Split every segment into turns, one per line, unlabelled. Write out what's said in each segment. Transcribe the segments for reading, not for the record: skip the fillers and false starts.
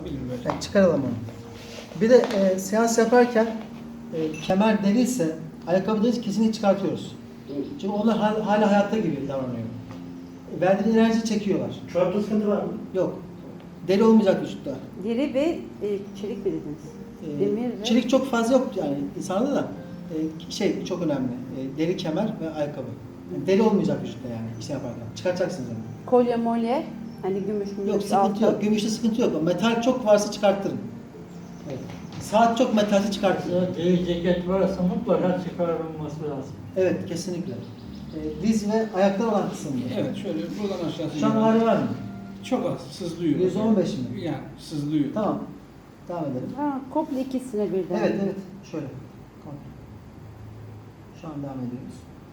çıkarabilir böyle.
Yani çıkaralım onu. Bir de seans yaparken kemer değilse ayakkabıları kesinlikle çıkartıyoruz. Çünkü onlar hala hayatta gibi davranıyor. Verdiğin enerji çekiyorlar.
Çorapta sıkıntı var mı?
Yok. Deri olmayacak vücutta.
Deri ve çelik mi dediniz? Demir ve...
Çelik çok fazla yok yani insanda da şey çok önemli. Deri kemer ve ayakkabı. Yani deri olmayacak vücutta yani işe yaparken. Çıkartacaksınız onu.
Kolye molye, hani gümüş
Yok sıkıntı yok. Gümüşte sıkıntı yok. Metal çok varsa çıkarttırın. Evet. Saat çok metalse çıkartın.
Deri ceket varsa mutlaka çıkarılması lazım.
Evet kesinlikle. Diz ve ayaklar olan kısımda.
Evet şöyle buradan aşağısı.
Şu an ağrı var mı?
Çok az sızlıyor.
115 mi?
Yani sızlıyor.
Tamam. Devam edelim.
Ha, komple ikisine birden.
Evet evet. Şöyle. Kontrol. Şu an devam ediyoruz.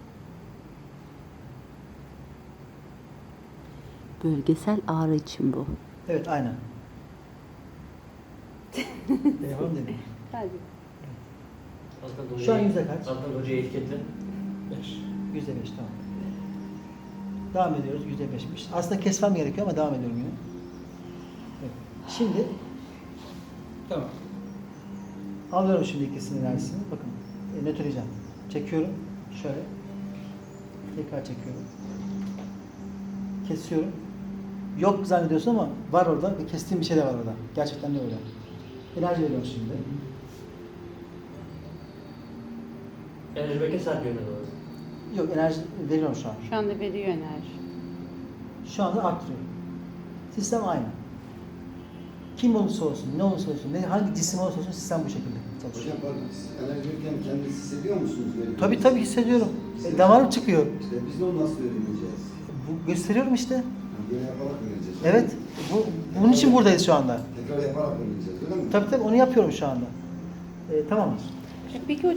Bölgesel ağrı için bu.
Evet aynen. Devam edelim.
Hadi.
Şu an yüzde kaç?
Zaten hocaya etiketle.
5.
%5 tamam. Devam ediyoruz. %5'miş. Aslında kesmem gerekiyor ama devam ediyorum yine. Evet. Şimdi
Tamam.
alıyorum şimdi ikisinin enerjisini. Bakın. Nötrleyeceğim. Çekiyorum. Şöyle. Tekrar çekiyorum. Kesiyorum. Yok zannediyorsun ama var orada ve kestiğim bir şey de var orada. Gerçekten de öyle. Enerji veriyorum şimdi.
Enerji belki saat yönüne doğru.
Yok enerji veriyorum şu an.
Şu anda veriyor enerji.
Şu anda arttırıyorum. Sistem aynı. Kim olursa olsun, ne olursa olsun, hangi cisim olursa olsun sistem bu şekilde çalışıyor.
Hocam bak, siz enerji verirken kendinizi hissediyor musunuz? Böyle
Tabii hissediyorum. Damarım çıkıyor.
İşte biz de onu nasıl öğreneceğiz?
Bu gösteriyorum işte.
Yani böyle yaparak öğreneceğiz.
Evet. Bunun için buradayız şu anda.
Tekrar yaparak öğreneceğiz, öyle mi?
Tabii onu yapıyorum şu anda. Tamamdır.
Peki